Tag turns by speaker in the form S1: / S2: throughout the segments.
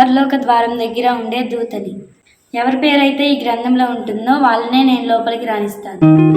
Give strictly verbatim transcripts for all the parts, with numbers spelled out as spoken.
S1: పరలోక ద్వారం దగ్గర ఉండే దూతని. ఎవరి పేరైతే ఈ గ్రంథంలో ఉంటుందో వాళ్ళనే నేను లోపలికి రాణిస్తాను.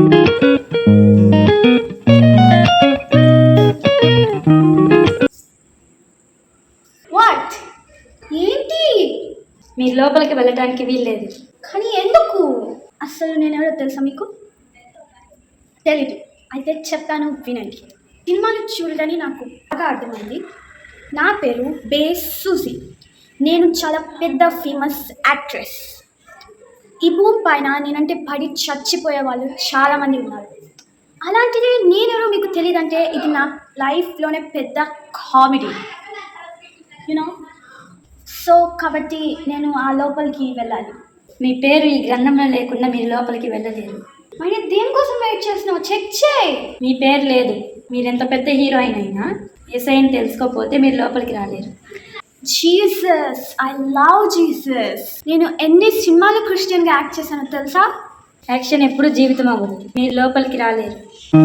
S2: వాట్ ఏంటి?
S1: మీరు లోపలికి వెళ్ళడానికి వీల్లేదు.
S2: కానీ ఎందుకు? అసలు నేనెవరో తెలుసా మీకు? తెలీదు. అయితే చెప్తాను, వినండి. సినిమాలు చూడదని నాకు బాగా అర్థమైంది. నా పేరు బే సూజీ. నేను చాలా పెద్ద ఫేమస్ యాక్ట్రెస్. ఈ భూమి పైన నేనంటే పడి చచ్చిపోయే వాళ్ళు చాలామంది ఉన్నారు. అలాంటిది నేనెవరో మీకు తెలియదంటే ఇది నా లైఫ్లోనే పెద్ద కామెడీ, యూనో. సో కాబట్టి నేను ఆ లోపలికి వెళ్ళాలి.
S1: మీ పేరు ఈ గ్రంథంలో లేకుండా మీరు లోపలికి వెళ్ళలేరు.
S2: మరి దేనికోసం వెయిట్ చేస్తున్నావు? చెక్ చేయి.
S1: మీ పేరు లేదు. మీరు ఎంత పెద్ద హీరోయిన్ అయినా యేసయ్యని తెలుసుకోకపోతే మీరు లోపలికి రాలేరు.
S2: Jesus, I love Jesus. నేను ఎన్ని సినిమాలు క్రిస్టియన్గా యాక్ట్ చేశానో తెలుసా?
S1: యాక్షన్ ఎప్పుడు జీవితం అవ్వదు. మీరు లోపలికి రాలేరు.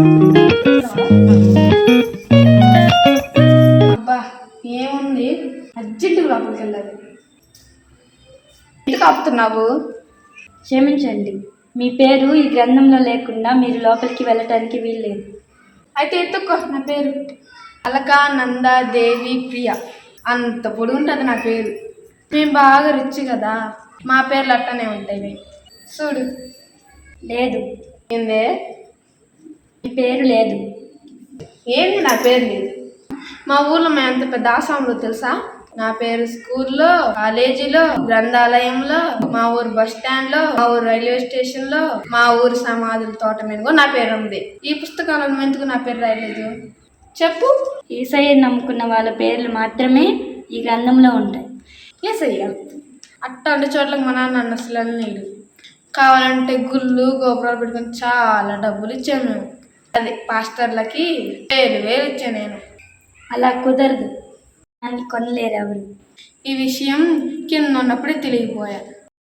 S3: అబ్బా ఏముంది, అర్జెంటుగా లోపలికి వెళ్ళాలి. ఎందుకు ఆపుతున్నావు?
S1: క్షమించండి, మీ పేరు ఈ గ్రంథంలో లేకుండా మీరు లోపలికి వెళ్ళటానికి వీల్లేదు.
S3: అయితే ఎత్తుక్కో నా పేరు. అలకా నంద దేవి ప్రియ. అంత పొడి ఉంటుంది నా పేరు. మేము బాగా రిచ్ కదా, మా పేర్లు అట్టనే ఉంటాయి. చూడు.
S1: లేదు.
S3: ఏందే?
S1: మీ పేరు లేదు.
S3: ఏంది నా పేరు లేదు? మా ఊర్లో మేము ఎంత పెద్ద ఆసాంలో తెలుసా? నా పేరు స్కూల్లో, కాలేజీలో, గ్రంథాలయంలో, మా ఊరు బస్ స్టాండ్ లో, మా ఊరు రైల్వే స్టేషన్ లో, మా ఊరు సమాధుల తోట మీద నా పేరు ఉంది. ఈ పుస్తకాలను ఎందుకు నా పేరు రాయలేదు చెప్పు?
S1: యేసయ్యని నమ్ముకున్న వాళ్ళ పేర్లు మాత్రమే ఈ గ్రంథంలో ఉంటాయి.
S3: యేసయ్య అట్లాంటి చోట్లకి మా నాన్న నన్ను అసలు నీడు. కావాలంటే గుళ్ళు గోపురాలు పెట్టుకొని చాలా డబ్బులు ఇచ్చాను మేము. అదే పాస్టర్లకి వేలు వేలు ఇచ్చాను నేను.
S1: అలా కుదరదు, దాన్ని కొనలేరు ఎవరు.
S3: ఈ విషయం కింద ఉన్నప్పుడే తెలియపోయా.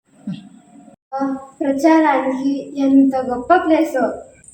S2: ప్రచారానికి ఎంత గొప్ప ప్లేసో.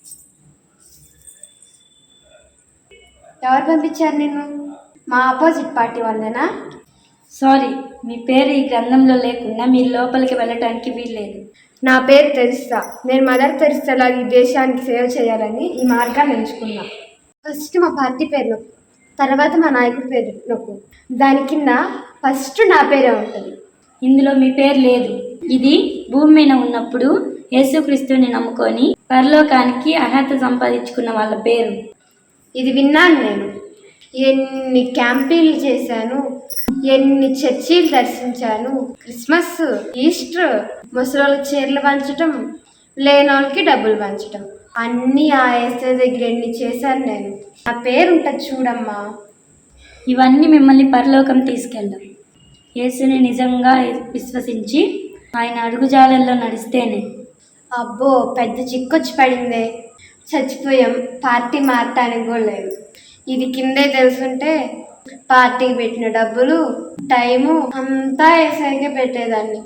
S2: ఎవరు పంపించారు నిన్ను? మా ఆపోజిట్ పార్టీ వాళ్ళేనా?
S1: సారీ, మీ పేరు ఈ గ్రంథంలో లేకుండా మీరు లోపలికి వెళ్ళటానికి వీల్లేదు.
S2: నా పేరు తెరిస్తా. నేను మదర్ తెరిస్తాలాగా ఈ దేశానికి సేవ చేయాలని ఈ మార్గాన్ని ఎంచుకున్నా. ఫస్ట్ మా పార్టీ పేరు నొక్కు, తర్వాత మా నాయకుడి పేరు నొక్కు. దాని కింద ఫస్ట్ నా పేరే ఉంటుంది.
S1: ఇందులో మీ పేరు లేదు. ఇది భూమి మీద ఉన్నప్పుడు యేసుక్రీస్తుని నమ్ముకొని పరలోకానికి అర్హత సంపాదించుకున్న వాళ్ళ పేరు.
S2: ఇది విన్నాను నేను. ఎన్ని క్యాంపీలు చేశాను, ఎన్ని చర్చీలు దర్శించాను. క్రిస్మస్, ఈస్టర్, ముసలోళ్ళకి చీరలు పంచటం, లేనోళ్ళకి డబ్బులు పంచటం, అన్నీ ఆ యేసయ్య దగ్గర ఎన్ని చేశాను నేను. నా పేరు ఉంటుంది చూడమ్మా.
S1: ఇవన్నీ మిమ్మల్ని పరలోకం తీసుకెళ్ళం. యేసుని నిజంగా విశ్వసించి ఆయన అడుగుజాలల్లో నడిస్తేనే.
S2: అబ్బో, పెద్ద చిక్కొచ్చి పడిందే. చచ్చిపోయాం, పార్టీ మారటానికి కూడా లేదు. ఇది కిందే తెలుసుంటే పార్టీకి పెట్టిన డబ్బులు, టైము అంతా యేసయ్యకే పెట్టేదాన్ని.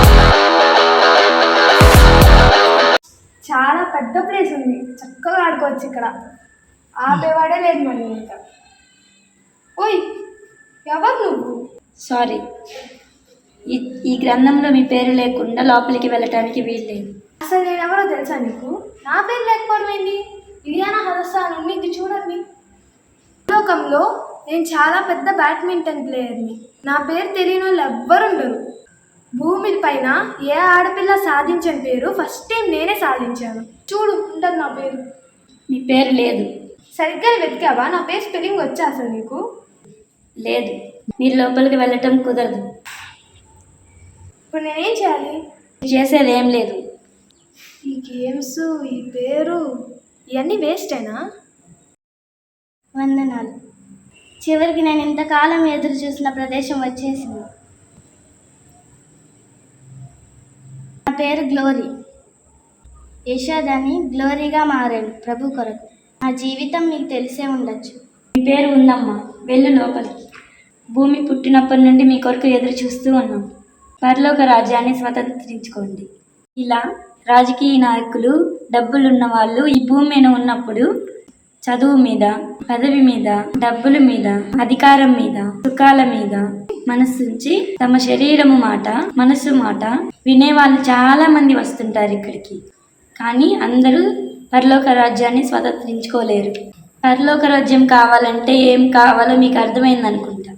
S2: చాలా పెద్ద ప్లేస్ ఉంది, చక్కగా ఆడుకోవచ్చు. ఇక్కడ ఆపేవాడే లేదు మరి. ఇంకా ఓయ్, ఎవరు నువ్వు?
S1: సారీ, ఈ ఈ గ్రంథంలో మీ పేరు లేకుండా లోపలికి వెళ్ళటానికి వీల్లేదు.
S2: అసలు నేను ఎవరో తెలుసా నీకు? నా పేరు లేకపోవడం ఏంటి? ఇరియానా హదస్సాన్ ఉంది, చూడండి. లోకంలో నేను చాలా పెద్ద బ్యాడ్మింటన్ ప్లేయర్ని. నా పేరు తెలియని వాళ్ళు ఎవ్వరుండరు. భూమి పైన ఏ ఆడపిల్ల సాధించని పేరు ఫస్ట్ టైం నేనే సాధించాను. చూడు, ఉంటుంది నా పేరు.
S1: మీ పేరు లేదు.
S2: సరిగ్గా వెతికావా? నా పేరు స్పెల్లింగ్ వచ్చా అసలు నీకు?
S1: లేదు. మీరు లోపలికి వెళ్ళటం కుదరదు.
S2: ఇప్పుడు నేనేం చేయాలి?
S1: చేసేది ఏం లేదు.
S2: ఈ గేమ్స్, ఈ పేరు, ఇవన్నీ వేస్టేనా? వందనాలు. చివరికి నేను ఇంతకాలం ఎదురు చూసిన ప్రదేశం వచ్చేసింది. నా పేరు గ్లోరీ. యశోదని గ్లోరీగా మారాను ప్రభు కొరకు. నా జీవితం మీకు తెలిసే ఉండొచ్చు.
S1: మీ పేరు ఉందమ్మా, వెళ్ళు లోపలికి. భూమి పుట్టినప్పటి నుండి మీ కొరకు ఎదురు చూస్తూ ఉన్నాం. పరలోక రాజ్యాన్ని స్వతంత్రించుకోండి. ఇలా రాజకీయ నాయకులు, డబ్బులున్న వాళ్ళు ఈ భూమి మీద ఉన్నప్పుడు చదువు మీద, పదవి మీద, డబ్బుల మీద, అధికారం మీద, సుఖాల మీద మనసుంచి తమ శరీరము మాట మనసు మాట వినేవాళ్ళు చాలా మంది వస్తుంటారు ఇక్కడికి. కానీ అందరూ పరలోక రాజ్యాన్ని స్వతంత్రించుకోలేరు. పరలోక రాజ్యం కావాలంటే ఏం కావాలో మీకు అర్థమైంది అనుకుంటా.